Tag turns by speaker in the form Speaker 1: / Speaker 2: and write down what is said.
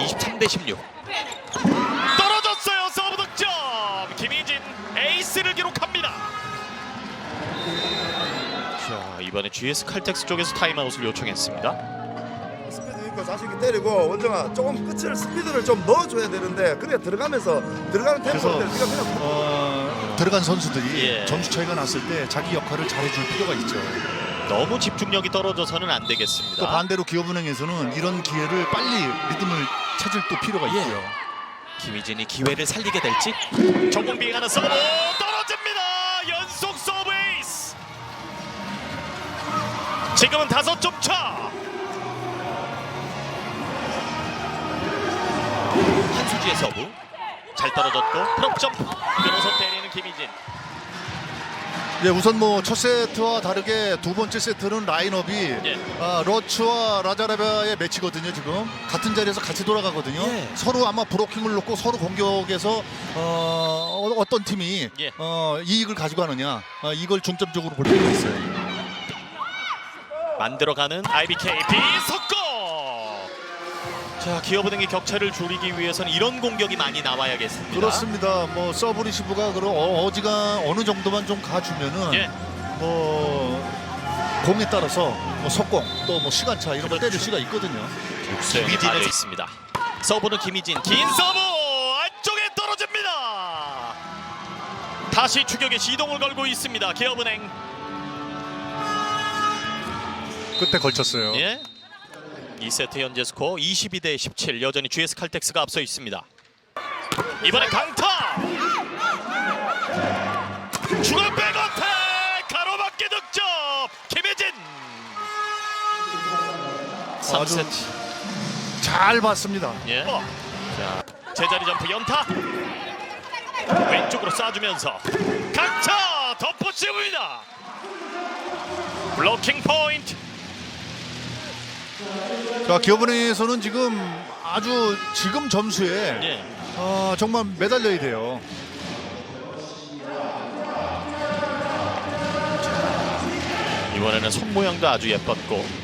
Speaker 1: 23대 16. 떨어졌어요. 서브 득점. 김희진 에이스를 기록합니다. 자, 이번에 GS 칼텍스 쪽에서 타임아웃을 요청했습니다.
Speaker 2: 스피드 있고 자신 있게 때리고 원정아 조금 끝을 스피드를 좀 넣어줘야 되는데 그래 들어가면서 들어가는 템포를 네가 그냥
Speaker 3: 들어간 선수들이
Speaker 1: 예.
Speaker 3: 점수 차이가 났을 때 자기 역할을 잘해줄 필요가 있죠.
Speaker 1: 너무 집중력이 떨어져서는 안 되겠습니다.
Speaker 3: 또 반대로 기업은행에서는 이런 기회를 빨리 리듬을 찾을 또 필요가
Speaker 1: 예.
Speaker 3: 있고요.
Speaker 1: 김희진이 기회를 살리게 될지. 정공비에 가는 서브 떨어집니다. 연속 서브 에이스. 지금은 5점 차. 한수지의 서브 잘 떨어졌고 프롭 점프 끊어서 때리는 김희진.
Speaker 3: 예, 우선 뭐 첫 세트와 다르게 두 번째 세트는 라인업이
Speaker 1: 예.
Speaker 3: 러츠와 라자라바의 매치거든요. 지금 같은 자리에서 같이 돌아가거든요.
Speaker 1: 예.
Speaker 3: 서로 아마 브로킹을 놓고 서로 공격에서 어떤 팀이
Speaker 1: 예.
Speaker 3: 이익을 가지고 가느냐 이걸 중점적으로 볼 필요가 있어요.
Speaker 1: 만들어가는 IBK 비석고. 자, 기업은행의 격차를 줄이기 위해서는 이런 공격이 많이 나와야겠습니다.
Speaker 3: 그렇습니다. 뭐 서브 리시브가 그런 어지가 어느 정도만 좀 가주면은
Speaker 1: 예.
Speaker 3: 뭐 공에 따라서 뭐 속공 또 뭐 시간차 이런 걸 때릴 수가 있거든요.
Speaker 1: 김희진이 빠져 있습니다. 서브는 김희진 긴 서브 안쪽에 떨어집니다. 다시 추격에 시동을 걸고 있습니다. 기업은행.
Speaker 3: 끝에 걸쳤어요.
Speaker 1: 예. 2세트 현재 스코어 22대 17. 여전히 GS 칼텍스가 앞서 있습니다. 이번에 강타. 중앙 백어택 가로막기 득점. 김혜진. 3세트.
Speaker 3: 잘 봤습니다.
Speaker 1: 예. 자, 제자리 점프 연타. 왼쪽으로 쏴주면서 강타 덮어씌웁니다. 블로킹 포인트.
Speaker 3: 자, 기업은행에서는 지금 아주 지금 점수에
Speaker 1: 예.
Speaker 3: 정말 매달려야 돼요.
Speaker 1: 이번에는 손 모양도 아주 예뻤고